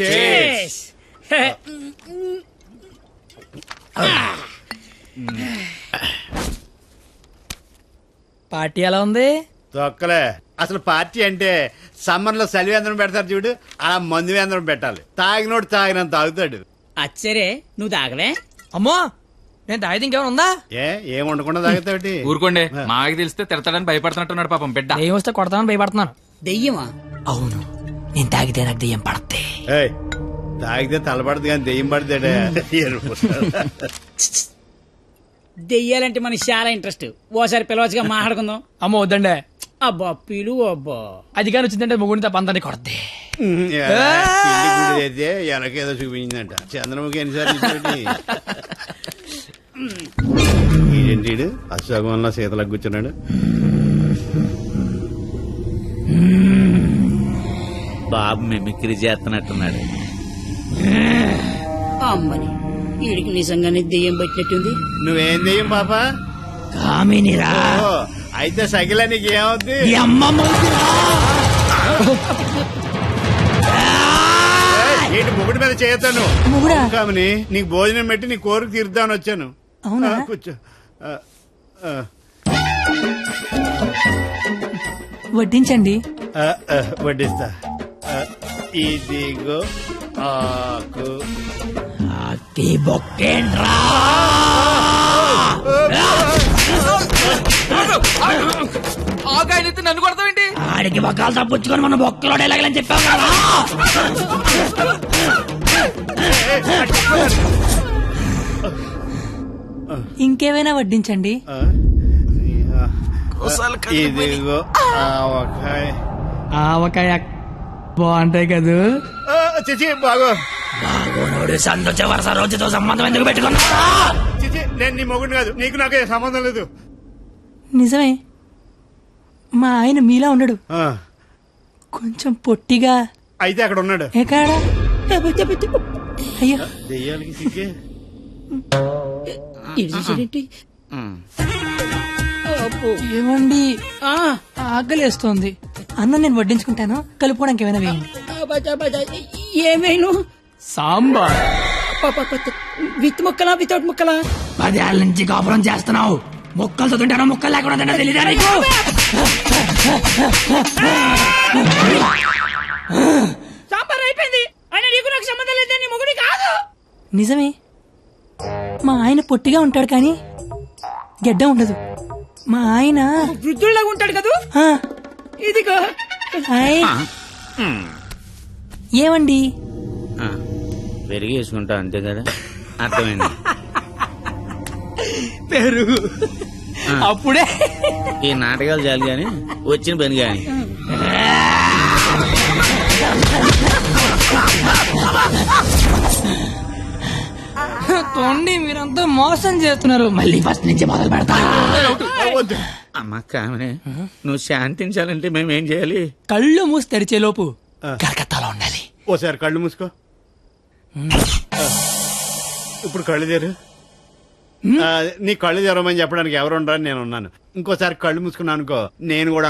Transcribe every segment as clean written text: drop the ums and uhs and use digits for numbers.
Cheers. Party ఎలా ఉంది? తొక్కలే. అసలు పార్టీ అంటే సమ్మర్ లో సలివేంద్రం పెడతారు చూడు, అలా మందు వేంద్రం పెట్టాలి. తాగినోడు తాగినంత తాగుతాడు. అచ్చరే నువ్వు తాగలే? అమ్మో, నేను తాగితే ఇంకేమైనా ఉందా? ఏం ఉండకుండా తాగుతావుటి? ఊరుకోండి, మాకు తెలిస్తే తిడతాడని భయపడుతున్నట్టున్నాడు పాపం బిడ్డ. దెయ్యం వస్తే కొడతామని భయపడుతున్నాను. దెయ్యమా? అవును, నేను తాగితే నాకు దెయ్యం పడద్ది. ఏయ్, తాగితే తలపడదు కానీ దెయ్యం పడతాడే. దెయ్యాలంటే మనకి చాలా ఇంట్రెస్ట్. ఓసారి పిలవచ్చుగా, మాట్లాడుకుందాం. అమ్మో వద్దండి. అబ్బా పిలువు. అబ్బా అది కానీ వచ్చిందంటే ముగ్గురిని తప్ప అందరినీ కొడద్ది. అయితే వెనకేదో చూపించిందంట. చంద్రముఖి ఎన్నిసార్లు ఏంటి అశోకంలో శీతలకు కూర్చున్నాడు. బాబు మిమిక్రీ చేస్తున్నట్టున్నాడు. అమ్మని వీడికి నిజంగానే దెయ్యం పట్టినట్టుంది. నువ్వేం దెయ్యం పాపా? కామినిరా. ఓ, అయితే సగిల నీకు ఏమవుద్ది? ఏంటి ముగుడి మీద చేయతాను కామని? నీకు భోజనం పెట్టి నీ కోరిక తీర్దామని వచ్చాను. కూర్చో. వడ్డించండి. వడ్డిస్తా. ఇదిగో ఆకు. ఆకాయనైతే నన్ను కొడతావేంటి? ఆడికి బొక్కలు తప్పుచ్చుకొని మన బొక్కలో ఎలాగలని చెప్పావు కదా. ఇంకేమైనా వడ్డించండి. ఇదిగో ఆవకాయ. ఆవకాయ బాగుంటాయి కదూ. చిచి బాగో. బాగోనోడు సంతోష వరుస రోజుతో సంబంధం ఎందుకు పెట్టుకున్నా? చిచి, నేను నీ మొగుడు కాదు, నీకు నాకే సంబంధం లేదు. నిజమే, మా ఆయన మీలా ఉండడు, కొంచెం పొట్టిగా. అయితే అక్కడ ఉన్నాడు. ఎక్కడా? అయ్యో, దెయ్యాలకి సిగ్గే. ఏమండి, ఆకలేస్తోంది. అన్నం నేను వడ్డించుకుంటాను, కలుపుకోవడానికి ఏమైనా వేయండి. ఏమైనా సాంబార్. విత్ ముక్కలా వితౌట్ ముక్కలా? 10 ఏళ్ళ నుంచి కాపురం చేస్తున్నావు, ముక్కలతో తింటానో ముక్కలు లేకుండా తింటా తెలీదా నీకు? సాంబార్ అయిపోయింది. ఆయన నీకు నాకు సంబంధం లేదు, నీ మొగుడి కాదు. నిజమే, మా ఆయన పొట్టిగా ఉంటాడు కానీ గెడ్డ ఉండదు. మా ఆయన వృద్ధుల్లాగా ఉంటాడు కదా. ఇదిగో. ఏమండి, పెరిగి వేసుకుంటా అంతే కదా, అర్థమైంది. పెరుగు అప్పుడే. ఈ నాటకాలు చాలు గాని వచ్చిన పని గాని. తోండి, మీరంతా మోసం చేస్తున్నారు. మళ్ళీ ఫస్ట్ నుంచి మొదలు పెడతా. అమ్మ కామనే, నువ్వు శాంతించాలంటే మేమేం చేయాలి? కళ్ళు మూసి తెరిచే లోపు కలకత్తాలో ఉండాలి. ఓసారి కళ్ళు మూసుకో. ఇప్పుడు కళ్ళు తెరు. నీ కళ్ళు తెరవమని చెప్పడానికి ఎవరు ఉండరని నేను ఉన్నాను. ఇంకోసారి కళ్ళు మూసుకున్నాను అనుకో, నేను కూడా.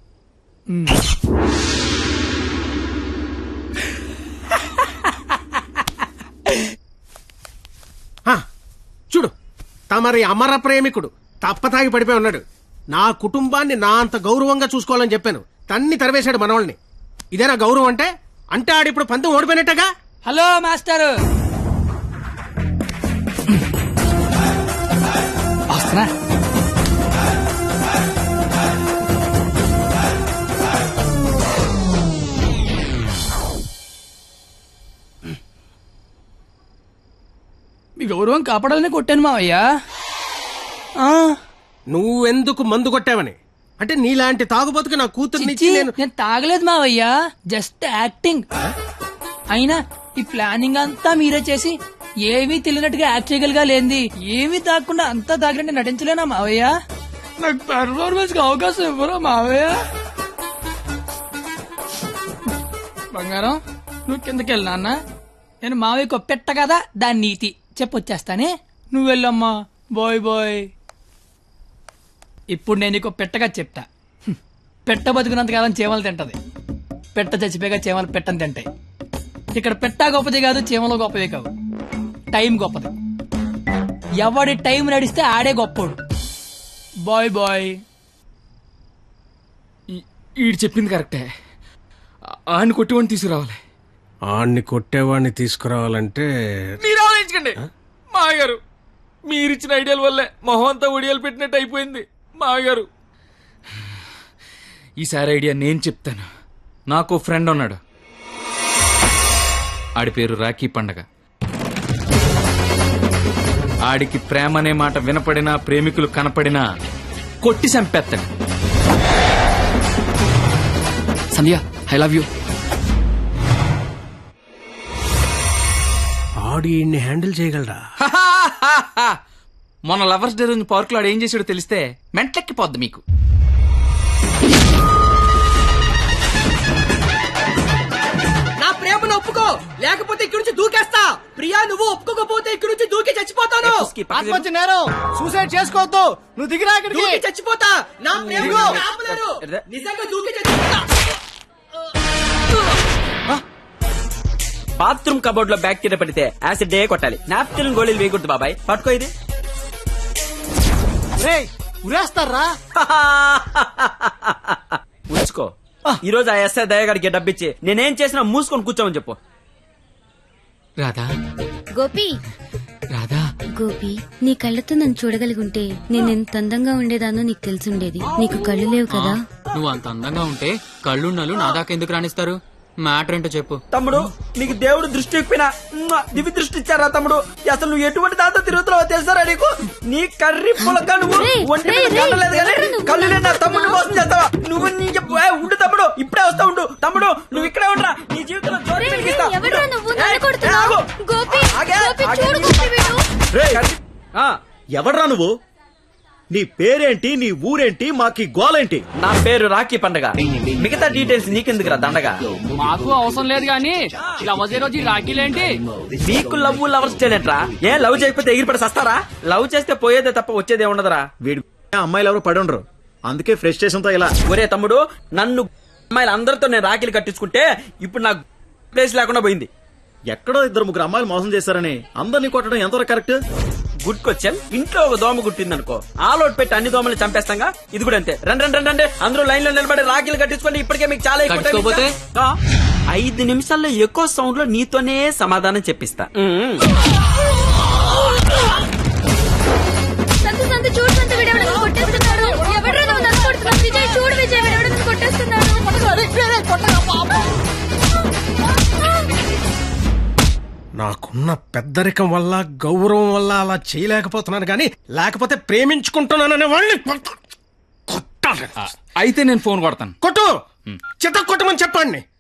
చూడు, తమరి అమర ప్రేమికుడు తప్పతాగి పడిపోయి ఉన్నాడు. నా కుటుంబాన్ని నా అంత గౌరవంగా చూసుకోవాలని చెప్పాను, తన్ని తరివేశాడు మనవాళ్ళని. ఇదేనా గౌరవం అంటే? అంటే ఆడిప్పుడు పంతం ఓడిపోయినట్టుగా. హలో మాస్టర్, వస్తున్నా. మీ గౌరవం కాపాడాలని కొట్టాను మావయ్యా. నువ్వెందుకు మందు కొట్టావని? అంటే నీలాంటి తాగుబోతుకి నా కూతుర్ని నేను తాగలేదు మావయ్యా, జస్ట్ యాక్టింగ్. అయినా ఈ ప్లానింగ్ అంతా మీరే చేసి ఏమీ తెలియనట్టుగా యాక్ట్ చేయగలిగా లేంది. ఏమీ తాగకుండా అంతా తాగినట్టు నటించలేనా మావయ్య? నాకు పెర్ఫార్మెన్స్ కి అవకాశం ఇవ్వరా మావయ్య? బంగారం, నువ్వు కిందకి వెళ్ళా అన్న. నేను మావయ్యకు పెట్ట కదా, దాని నీతి చెప్పొచ్చేస్తానే. నువ్వు వెళ్ళమ్మా. Bye bye. ఇప్పుడు నేను నీకు పెట్టగా చెప్తా. పెట్ట బతుకున్నంతకాలం చేమలు తింటది, పెట్ట చచ్చిపోయాక చేమలు పెట్టని తింటాయి. ఇక్కడ పెట్టా గొప్పది కాదు, చీమలో గొప్పదే కాదు, టైం గొప్పది. ఎవడి టైం నడిస్తే ఆడే గొప్పోడు. Bye bye. ఈడు చెప్పింది కరెక్టే. ఆయన కొట్టివాడిని తీసుకురావాలి. ఆడిని కొట్టేవాడిని తీసుకురావాలంటే మీరు ఆలోచించకండి మామగారు. మీరిచ్చిన ఐడియాల వల్లే మొహం అంతా ఒడియాలు పెట్టినట్టు అయిపోయింది మామగారు. ఈసారి ఐడియా నేను చెప్తాను. నాకు ఫ్రెండ్ ఉన్నాడు, ఆడి పేరు రాఖీ పండగ. ఆడికి ప్రేమ అనే మాట వినపడినా, ప్రేమికులు కనపడినా కొట్టి చంపేస్తాడు. Sandhya, I love you. ఆడి హ్యాండిల్ చేయగలరా? మొన్న లవర్స్ డే రోజు పార్క్ లో ఆడు ఏం చేసాడో తెలిస్తే మెంట్లెక్కిపోద్ది మీకు. నా ప్రేమను ఒప్పుకో, లేకపోతే ఇక్కడి నుంచి దూకేస్తా. ప్రియా, నువ్వు ఒప్పుకోకపోతే ఇక్కడి నుంచి దూకి చచ్చిపోతాను. ఆత్మహత్య నేరం, సూసైడ్ చేసుకోవద్దు, నువ్వు దిగిరా ఇక్కడికి. దూకి చచ్చిపోతా. నా ప్రేమను ఆపలేరు. నిజంగా దూకి చచ్చిపోతా. బాత్రూమ్ కబోర్డ్ లో బ్యాక్టీరియా పడితే యాసిడ్ డే కొట్టాలి. నాప్కిన్ గోళీలు వేయకూడదు బాబాయ్. పట్టుకో ఇది. ఉరేస్తారా? ఉంచుకో. ఈ రోజు ఆ ఎస్ఐ దయగాడికి డబ్బిచ్చి నేనేం చేసినా మూసుకొని కూర్చోమని చెప్పు. రాధా, గోపి, రాధా, గోపి, నీ కళ్ళతో నన్ను చూడగలిగుంటే నేను ఎంత అందంగా ఉండేదానో నీకు తెలిసుండేది. నీకు కళ్ళు లేవు కదా. నువ్వు అంత అందంగా ఉంటే కళ్ళున్నలు నా దాకా ఎందుకు రాణిస్తారు? మ్యాటర్ ఏంటో చెప్పు. తమ్ముడు, నీకు దేవుడు దృష్టి ఇప్పినా దివి దృష్టి ఇచ్చారా తమ్ముడు? అసలు నువ్వు ఎటువంటి దాంతో తిరుగుతున్నావో తెలుసారా నీకు? నీ కర్రీ పులక నువ్వు ఒంటి మీద కట్టలేదు కానీ కళ్ళు లేని తమ్ముడు మోసం చేస్తావా నువ్వు? నీ చెప్పు. ఉండు తమ్ముడు, ఇప్పుడే వస్తా ఉండు. తమ్ముడు, నువ్వు ఇక్కడే ఉండరా, నీ జీవితంలో జ్యోతి వెలిగిస్తా. ఎవడ్రా నువ్వు? నీ పేరేంటి, నీ ఊరేంటి, మాకి గోలేంటి? నా పేరు రాఖీ పండగ. మిగతా డీటెయిల్స్ నీకెందుకురా దండగా? మాకు అవసరం లేదు గానీ లవ్ రోజు రాఖీలేంటి? నీకు లవ్ లవర్స్ చేయలేంట్రా? ఏ లవ్ చేయకపోతే ఎగిరిపడి సస్తారా? లవ్ చేస్తే పోయేదే తప్ప వచ్చేదే ఉండదురా. వీడి అమ్మాయిలు ఎవరు పడి ఉండరు, అందుకే ఫ్రస్ట్రేషన్ తో ఇలా. ఒరే తమ్ముడు, నన్ను అమ్మాయిలు అందరితో నేను రాఖీలు కట్టించుకుంటే ఇప్పుడు నాకు ప్లేస్ లేకుండా పోయింది. ఎక్కడో 2-3 అమ్మాయిలు మోసం చేశారని అందరినీ కొట్టడం ఎంతవరకు కరెక్ట్? Good question. ఇంట్లో ఒక దోమ గుట్టిందనుకో, ఆలోట్ పెట్టి అన్ని దోమలు చంపేస్తాంగా. ఇది కూడా అంతే. రండి అందరూ లైన్ లో నిలబడి రాఖీలు కట్టించుకోండి. ఇప్పటికే మీకు చాలా ఎక్కువ. 5 నిమిషాల్లో ఎక్కువ సౌండ్ లో నీతోనే సమాధానం చెప్పిస్తా. నాకున్న పెద్దరికం వల్ల, గౌరవం వల్ల అలా చేయలేకపోతున్నాను కానీ, లేకపోతే ప్రేమించుకుంటున్నాననే వాళ్ళని కొట్టాలి. అయితే నేను ఫోన్ కొడతాను. కొట్టు, చిత్త కొట్టమని చెప్పండి.